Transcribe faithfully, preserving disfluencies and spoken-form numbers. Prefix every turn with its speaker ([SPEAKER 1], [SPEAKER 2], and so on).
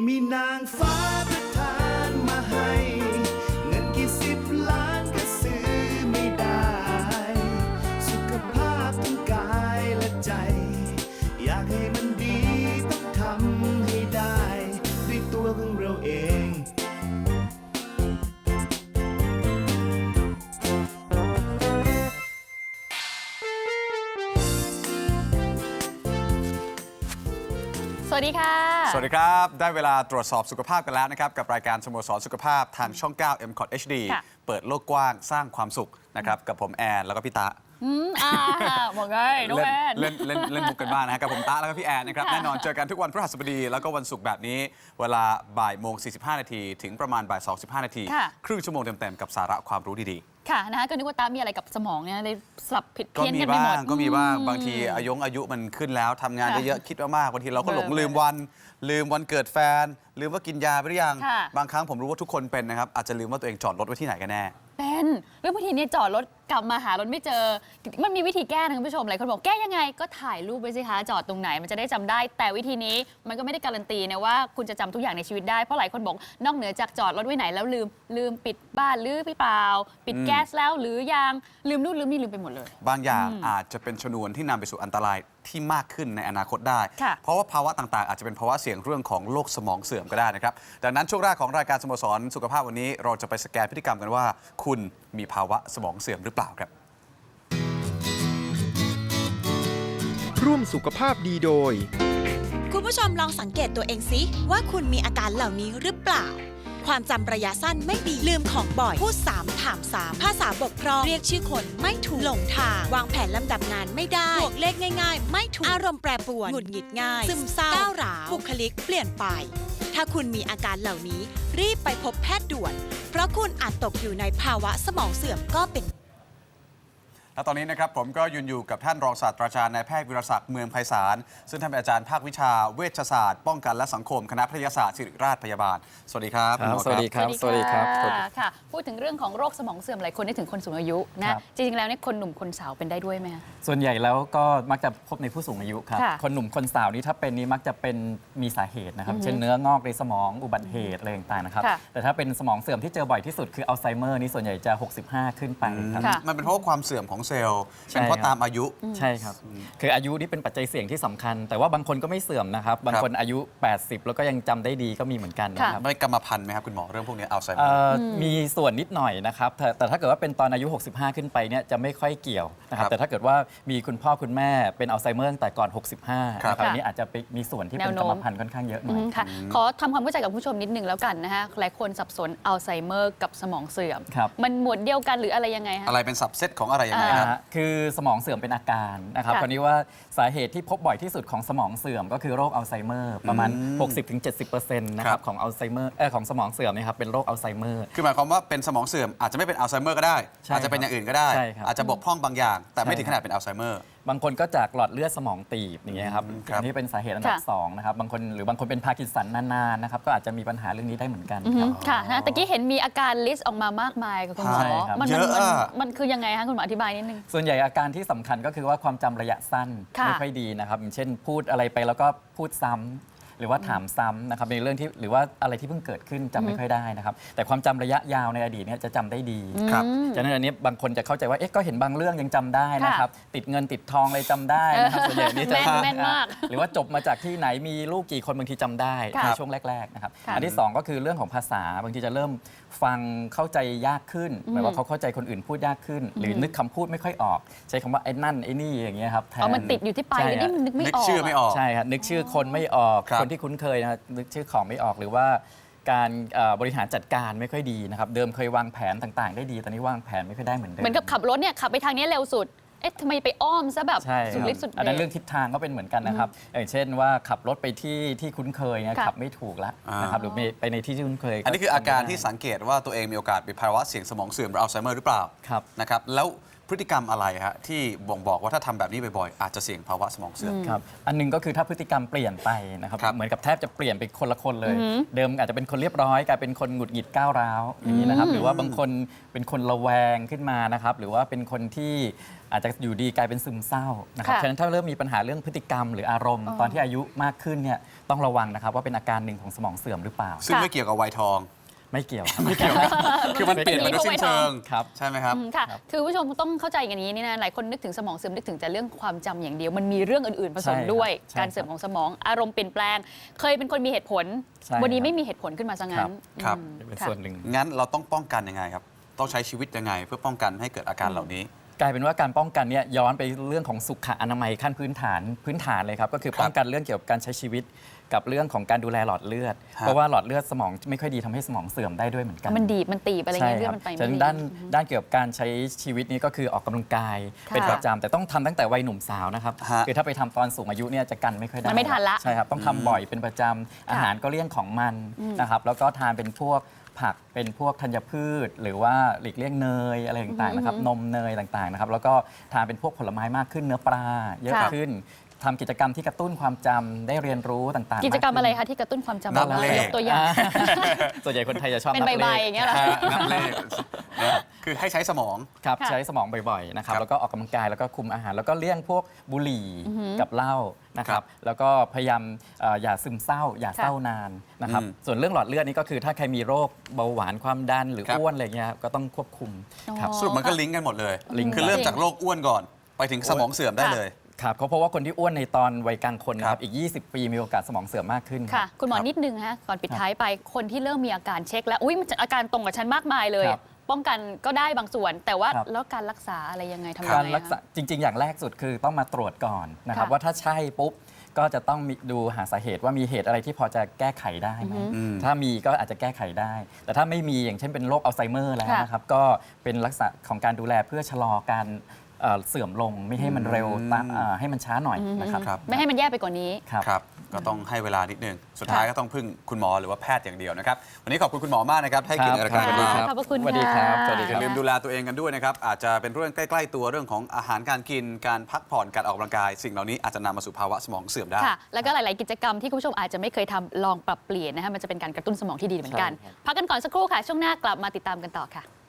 [SPEAKER 1] มีนางฟ้าประทานมาให้เงินกี่สิบล้านก็ซื้อไม่ได้สุขภาพทั้งกายและใจอยากให้มันดีต้องทำให้ได้ด้วยตัวของเราเอง
[SPEAKER 2] สวัสดีค่ะ
[SPEAKER 3] สวัสดีครับได้เวลาตรวจสอบสุขภาพกันแล้วนะครับกับรายการสโมสรสุขภาพทางช่อง เก้า เอ็ม คอท เอช ดี เปิดโลกกว้างสร้างความสุขนะครับกับผมแอนแล้วก็พี่ตะ
[SPEAKER 2] อืมอ่าบอกไงน้องแอน
[SPEAKER 3] เล่นเล่นเล่นมุกกันบ้างนะกับผมตะแล้วก็พี่แอนนะครับแน่นอนเจอกันทุกวันพฤหัสบดีแล้วก็วันศุกร์แบบนี้เวลาบ่ายโมงสี่สิบห้านาทีถึงประมาณบ่ายสองสิบห้านาทีครึ่งชั่วโมงเต็มๆกับสาระความรู้ดีๆ
[SPEAKER 2] ค่ะนะคะก็นึกว่าตามีอะไรกับสมองเนี่ยเลยสับผิดเพี้ยนกัน
[SPEAKER 3] ไปหมดก็มีบ้างบางทีอายุอายุมันขึ้นแล้วทำงานเยอะๆคิดมากๆบางทีเราก็หลงลืมวันลืมวันเกิดแฟนลืมว่ากินยาไปหรือยังบางครั้งผมรู้ว่าทุกคนเป็นนะครับอาจจะลืมว่าตัวเองจอดรถไว้ที่ไหนกันแน่
[SPEAKER 2] เป็นเรื่องบางทีเนี่ยจอดรถกลับมาหารถไม่เจอมันมีวิธีแก้นะคุณผู้ชมหลายคนบอกแก้ยังไงก็ถ่ายรูปไว้สิคะจอดตรงไหนมันจะได้จำได้แต่วิธีนี้มันก็ไม่ได้การันตีนะว่าคุณจะจำทุกอย่างในชีวิตได้เพราะหลายคนบอกนอกเหนือจากจอดรถไว้ไหนแล้วลืมลืมปิดบ้านหรือเปล่าปิดแก๊สแล้วหรือยังลืมนู่นลืมนี่ลืมไปหมดเลย
[SPEAKER 3] บางอย่างอาจจะเป็นชนวนที่นำไปสู่อันตรายที่มากขึ้นในอนาคตได้เพราะว่าภาวะต่างๆอาจจะเป็นภาวะเสี่ยงเรื่องของโรคสมองเสื่อมก็ได้นะครับดังนั้นช่วงแรกของรายการสโมสรสุขภาพวันนี้เราจะไปสแกนพฤติกรรมกันว่าคุณมีภาวะสมองเสื่อมหรือเปล่าครับ
[SPEAKER 4] ร่วมสุขภาพดีโดย
[SPEAKER 5] คุณผู้ชมลองสังเกตตัวเองสิว่าคุณมีอาการเหล่านี้หรือเปล่าความจำระยะสั้นไม่ดีลืมของบ่อยพูดซ้ำถามซ้ำภาษาบกพร่องเรียกชื่อคนไม่ถูกหลงทางวางแผนลำดับงานไม่ได้บวกเลขง่ายๆไม่ถูกอารมณ์แปรปรวนหงุดหงิดง่ายซึมเศร้าก้าวร้าวบุคลิกเปลี่ยนไปถ้าคุณมีอาการเหล่านี้รีบไปพบแพทย์ด่วนเพราะคุณอาจตกอยู่ในภาวะสมองเสื่อมก็เป็น
[SPEAKER 3] และตอนนี้นะครับผมก็ยืนอยู่กับท่านรองศาสตราจารย์นายแพทย์วิรศักดิ์เมืองไพศาลซึ่งท่านเป็นอาจารย์ภาควิชาเวชศาสตร์ป้องกันและสังคมคณะแพทยศาสตร์ศิริราชพยาบาลสวัสดีครับ
[SPEAKER 6] สวัสดีครับสวัสดีครับ
[SPEAKER 2] ค่ะพูดถึงเรื่องของโรคสมองเสื่อมหลายคนนึกถึงคนสูงอายุนะจริงๆแล้วเนี่ยคนหนุ่มคนสาวเป็นได้ด้วยไหม
[SPEAKER 6] ส่วนใหญ่แล้วก็มักจะพบในผู้สูงอายุครับคนหนุ่มคนสาวนี่ถ้าเป็นนี้มักจะเป็นมีสาเหตุนะครับเช่นเนื้องอกในสมองอุบัติเหตุอะไรต่างๆนะครับแต่ถ้าเป็นสมองเสื่อมที่เจอบ่อยที่สุดคืออัลไซเมอร์นี่ส่วนใหญ่จะหกสิบห้าขึ้นไปครับ
[SPEAKER 3] มันเป็นเพราะความเสื่อมของเซลล์เป็นเพราะตามอายุ
[SPEAKER 6] ใช่ครับคืออายุนี่เป็นปัจจัยเสี่ยงที่สำคัญแต่ว่าบางคนก็ไม่เสื่อมนะครับบางคนอายุแปดสิบแล้วก็ยังจำได้ดีก็มีเหมือนกันนะครับ
[SPEAKER 3] ไม่กรรมพันธุ์ไหมครับคุณหมอเรื่องพวกนี้อัลไซเมอร์
[SPEAKER 6] มีส่วนนิดหน่อยนะครับแต่ถ้าเกิดว่าเป็นตอนอายุหกสิบห้าขึ้นไปเนี่ยจะไม่ค่อยเกี่ยวนะครับแต่ถ้าเกิดว่ามีคุณพ่อคุณแม่เป็นอัลไซเมอร์ตั้งแต่ก่อนหกสิบห้านะครับอันนี้อาจจะมีส่วนที่เป็นกรรมพันธุ์ค่อนข้างเยอะหน่อย
[SPEAKER 2] ค่ะขอทำความเข้าใจกับผู้ชมนิดนึงแล้วกันนะฮะหลายคนสับสนอัลไซเมอร์กับสมองเสื่อมมันหมวดเดียวกันหรืออะไรยังไงฮะ
[SPEAKER 3] อะไรเป็นสับเซตของอะไรยังไงครับ
[SPEAKER 6] คือสมองเสื่อมเป็นอาการนะครับคราวนี้ว่าสาเหตุที่พบบ่อยที่สุดของสมองเสื่อมก็คือโรคอัลไซเมอร์ประมาณ หกสิบถึงเจ็ดสิบเปอร์เซ็นต์ นะครับของอัลไซเมอร์เออของสมองเสื่อมนะครับเป็นโรคอัลไซเมอร์
[SPEAKER 3] คือหมายความว่าเป็นสมองเสื่อมอาจจะไม่เป็นอัลไซเมอร์ก็ได้อาจจะเป็นอย่างอื่นก็ได้อาจจะบกพร่องบางอย่างแต่ไม่ถึงขนาดเป็นอัลไซเมอร์
[SPEAKER 6] บางคนก็จากหลอดเลือดสมองตีบอย่างเงี้ยครับอันนี้เป็นสาเหตุอันดับสองนะครับบางคนหรือบางคนเป็นพาร์กินสันนานๆนะครับก็อาจจะมีปัญหาเรื่องนี้ได้เหมือนกัน
[SPEAKER 2] ค่ะนะตะกี้เห็นมีอาการลิสต์ออกมามากมายกับคุณหมอมันมันคือยังไงคะคุณหมออธิบายนิดนึง
[SPEAKER 6] ส่วนใหญ่อาการที่สำคัญก็คือว่าความจำระยะสั้นไม่ค่อยดีนะครับอย่างเช่นพูดอะไรไปแล้วก็พูดซ้ำหรือว่าถามซ้ำนะครับในเรื่องที่หรือว่าอะไรที่เพิ่งเกิดขึ้นจำไม่ค่อยได้นะครับแต่ความจำระยะยาวในอดีตเนี่ยจะจำได้ดีครับฉะนั้นอันนี้บางคนจะเข้าใจว่าเอ๊ะก็เห็นบางเรื่องยังจำได้นะครับติดเงินติดทองเลยจำได้นะครับส่วนใหญ่นี่จะ
[SPEAKER 2] แม่นมาก
[SPEAKER 6] หรือว่าจบมาจากที่ไหนมีลูกกี่คนบางทีจำได้ในช่วงแรกๆนะครับอันที่สองก็คือเรื่องของภาษาบางทีจะเริ่มฟังเข้าใจยากขึ้นหมายว่าเขาเข้าใจคนอื่นพูดยากขึ้นหรือนึกคำพูดไม่ค่อยออกใช้คำว่าไอ้นั่นไอ้นี่อย่างเงี้ยครับ
[SPEAKER 2] แทนมันติดอยู่ที่ปลายนี่มันนึกไม่ออก
[SPEAKER 3] ชื่อไม่ออก
[SPEAKER 6] ใช่ครับนึกชื่อคนไม่ออกคนที่คุ้นเคยนะนึกชื่อของไม่ออกหรือว่าการบริหารจัดการไม่ค่อยดีนะครับเดิมเคยวางแผนต่างๆได้ดีตอนนี้วางแผนไม่ค่อยได้เหมือนเดิม
[SPEAKER 2] เหมือนกับขับรถเนี่ยขับไปทางนี้เร็วสุดเอ๊ะทำไมไปอ้อมซะแบบสุดฤทธิ์สุดเดช
[SPEAKER 6] อันนั้นเรื่องทิศทางก็เป็นเหมือนกันนะครับอย่างเช่นว่าขับรถไปที่ที่คุ้นเคยนะขับไม่ถูกแล้วนะครับหรือไปในที่ที่คุ้นเคย
[SPEAKER 3] อันนี้คืออาการที่สังเกตว่าตัวเองมีโอกาสเป็นภาวะเสี่ยงสมองเสื่อมหรืออัลไซเมอร์หรือเปล่านะครับแล้วพพฤติกรรมอะไรฮะที่บ่งบอกว่าถ้าทำแบบนี้บ่อยๆอาจจะเสี่ยงภาวะสมองเสื่อม
[SPEAKER 6] ครับอันหนึงก็คือถ้าพฤติกรรมเปลี่ยนไปนะครับ
[SPEAKER 3] ครับ
[SPEAKER 6] เหมือนกับแทบจะเปลี่ยนไปคนละคนเลย เดิมอาจจะเป็นคนเรียบร้อยกลายเป็นคนหงุดหงิดก้าวร้าวอย่างนี้นะครับหรือว่าบางคนเป็นคนระแวงขึ้นมานะครับหรือว่าเป็นคนที่อาจจะอยู่ดีกลายเป็นซึมเศร้านะครับ
[SPEAKER 2] ค่ะ
[SPEAKER 6] ฉะนั้นถ้าเริ่มมีปัญหาเรื่องพฤติกรรมหรืออารมณ์ ตอนที่อายุมากขึ้นเนี่ยต้องระวังนะครับว่าเป็นอาการหนึ่งของสมองเสื่อมหรือเปล่า
[SPEAKER 3] ซึ่งไม่เกี่ยวกับวัยทอง
[SPEAKER 6] ไม่เกี่ยว
[SPEAKER 3] ไม่เกี่ยว คือมันเปลี่ยนไปโดยสิ้นเชิง
[SPEAKER 6] ครับ
[SPEAKER 3] ใช่ไหมครับ
[SPEAKER 2] อืมค่ะ คือผู้ชมต้องเข้าใจอย่างนี้นี่นะหลายคนนึกถึงสมองเสื่อมนึกถึงแต่เรื่องความจำอย่างเดียว มันมีเรื่องอื่นๆผสม
[SPEAKER 6] ใช่ครับ
[SPEAKER 2] ด้วย
[SPEAKER 6] ใช่
[SPEAKER 2] การเสื่อมของสมองอารมณ์เปลี่ยนแปลง เคยเป็นคนมีเหตุผล
[SPEAKER 6] ใช่
[SPEAKER 2] วันนี้
[SPEAKER 6] ครับ
[SPEAKER 2] ไม่มีเหตุผลขึ้นมาซะงั้น
[SPEAKER 3] ครับ
[SPEAKER 2] อืม
[SPEAKER 6] เป็น
[SPEAKER 2] ค่ะ
[SPEAKER 6] ส่วนหนึ่ง
[SPEAKER 3] งั้นเราต้องป้องกันยังไงครับ ต้องใช้ชีวิตยังไง เพื่อป้องกันให้เกิดอาการเหล่านี้
[SPEAKER 6] กลายเป็นว่าการป้องกันเนี่ยย้อนไปเรื่องของสุขอนามัยขั้นพื้นฐานพื้นฐานเลยครับก็คือป้องกันเรื่องเกี่ยวกับการใช้ชีวิตกับเรื่องของการดูแลหลอดเลือด
[SPEAKER 3] ฮะ
[SPEAKER 6] เพราะว่าหลอดเลือดสมองไม่ค่อยดีทำให้สมองเสื่อมได้ด้วยเหมือนกัน
[SPEAKER 2] มันดีบมันตีบอะไร
[SPEAKER 6] ใช่
[SPEAKER 2] เงี้ย
[SPEAKER 6] ค
[SPEAKER 2] เรื่อ
[SPEAKER 6] รั
[SPEAKER 2] งมันไป
[SPEAKER 6] ฉะ
[SPEAKER 2] ไม่
[SPEAKER 6] นั้น
[SPEAKER 2] ดี
[SPEAKER 6] ด้านด้านเกี่ยวกับการใช้ชีวิตนี้ก็คือออกกำลังกาย
[SPEAKER 2] ค่ะ
[SPEAKER 6] เป็นประจำแต่ต้องทำตั้งแต่วัยหนุ่มสาวนะครับ
[SPEAKER 3] ฮะ
[SPEAKER 6] คือถ้าไปทำตอนสูงอายุเนี่ยจะกันไม่ค่อยได้
[SPEAKER 2] มันไม่ทันละ
[SPEAKER 6] ใช่ครับต้องทำบ่อยเป็นประจำอาหารก็เลี่ยงของมันนะครับแล้วก็ทานเป็นพวกผักเป็นพวกธัญพืช หรือว่าหลีกเลี่ยงเนยอะไรต่างๆนะครับนมเนยต่างๆนะครับแล้วก็ทานเป็นพวกผลไม้มากขึ้นเนื้อปลาเยอะ
[SPEAKER 2] ค่ะ
[SPEAKER 6] ขึ้นทำกิจกรรมที่กระตุ้นความจำได้เรียนรู้ต่างๆ
[SPEAKER 2] กิจกรรม
[SPEAKER 6] าขึ้น
[SPEAKER 2] อะไรคะที่กระตุ้นความจำ
[SPEAKER 3] นับเลข
[SPEAKER 2] ยกตัวอย่าง
[SPEAKER 6] ส่วนใหญ่คนไทยจะชอบ
[SPEAKER 2] เป็น
[SPEAKER 6] นับเล
[SPEAKER 2] ใบ
[SPEAKER 6] ข
[SPEAKER 2] ๆอย่างเงี้ยเหรอ
[SPEAKER 3] นับเลขนะคือให้ใช้สมอง
[SPEAKER 6] ครับ
[SPEAKER 2] ค่ะ
[SPEAKER 6] ใช้สมองบ่อยๆนะครับ
[SPEAKER 3] ครับ
[SPEAKER 6] แล้วก็ออกกำลังกายแล้วก็คุมอาหาร แล้วก็เลี่ยงพวกบุหรี่กับเหล้านะค
[SPEAKER 3] ครั
[SPEAKER 6] รั
[SPEAKER 3] บบ
[SPEAKER 6] แล้วก็พยายามเอ่ออย่าซึมเศร้า อย่าเศร้านานนะครับ
[SPEAKER 3] อืม
[SPEAKER 6] ส่วนเรื่องหลอดเลือดนี่ก็คือถ้าใครมีโรคเบาหวานความดันหรือ
[SPEAKER 3] ครับ
[SPEAKER 6] อ้วนอะไรเงี้ยครับก็ต้องควบคุมครับ
[SPEAKER 2] อ๋อ
[SPEAKER 3] สรุปมันก็ลิงก์กันหมดเลย
[SPEAKER 6] ลิงก์
[SPEAKER 3] คือเริ่มจากโรคอ้วนก่อน ไปถึงสมองเสื่อมได้เลย
[SPEAKER 6] ครับเพราะว่าคนที่อ้วนในตอนวัยกลางคนนะค
[SPEAKER 3] ครั
[SPEAKER 6] รับบ อีก ยี่สิบ ปีมีโอกาสสมองเสื่อมมากขึ้น
[SPEAKER 2] ค่ะ คุณหมอ
[SPEAKER 3] ครับ
[SPEAKER 2] นิดนึงฮะก่อนปิดท้ายไปคนที่เริ่มมีอาการเช็คแล้วอุ้ยมันจะอาการตรงกับฉันมากมายเลย
[SPEAKER 6] ครับ
[SPEAKER 2] ป้องกันก็ได้บางส่วน แต่ว่า
[SPEAKER 6] ครับ
[SPEAKER 2] แล้วการรักษาอะไรยังไงทำยัง
[SPEAKER 6] การ
[SPEAKER 2] ไง
[SPEAKER 6] รักษา
[SPEAKER 2] คะ
[SPEAKER 6] จริง ๆ อย่างแรกสุดคือต้องมาตรวจก่อนนะครับ
[SPEAKER 2] ค่ะ
[SPEAKER 6] ว่าถ้าใช่ปุ๊บก็จะต้องมีดูหาสาเหตุว่ามีเหตุอะไรที่พอจะแก้ไขได้ไหม
[SPEAKER 3] อืม
[SPEAKER 6] ถ้ามีก็อาจจะแก้ไขได้ แต่ถ้าไม่มีอย่างเช่นเป็นโรคอัลไซเมอร์แล้ว
[SPEAKER 2] ค่ะ
[SPEAKER 6] นะครับก็เป็นลักษณะของการดูแลเพื่อชะลอการเอ่อเสื่อมลงไม่ให้มันเร็วตามเอ่อให้มันช้าหน่อยนะครับ
[SPEAKER 3] ครับ
[SPEAKER 2] ไม่ให้มันแย่ไปกว่านี้
[SPEAKER 6] ครับ
[SPEAKER 3] ครับ ก็ต้องให้เวลานิดนึง สุดท้ายก็ต้องพึ่งคุณหมอหรือว่าแพทย์อย่างเดียวนะครับ วันนี้ขอบคุณคุณหมอมากนะครับ ให้เกียรติในรายการ
[SPEAKER 6] ค
[SPEAKER 3] กับ
[SPEAKER 6] รั
[SPEAKER 3] เรา
[SPEAKER 6] บ
[SPEAKER 2] ขอบพระคุณ
[SPEAKER 6] สวัสดีครับ
[SPEAKER 2] ค่ะ
[SPEAKER 6] สวัสดี
[SPEAKER 3] อ
[SPEAKER 6] ค
[SPEAKER 3] ย่า
[SPEAKER 6] รับ
[SPEAKER 3] ลืมดูแลตัวเองกันด้วยนะครับ อาจจะเป็นเรื่องใกล้ๆตัวเรื่องของอาหารการกิน การพักผ่อน การออกกำลังกาย สิ่งเหล่านี้อาจจะนำมาสู่ภาวะสมองเสื่อมได้
[SPEAKER 2] ค่ะ แล้วก็หลาย ๆ กิจกรรมที่คุณผู้ชมอาจจะไม่เคยทำลองปรับเปลี่ยนนะคะมันจะเป็นการกระตุ้นสมองที่ดีเหมือนกัน
[SPEAKER 6] ใช่ครับ
[SPEAKER 2] พักกันก่อนสักครู่ค่ะ ช่วงหน้ากลับมาติดตามกันต่อค่ะ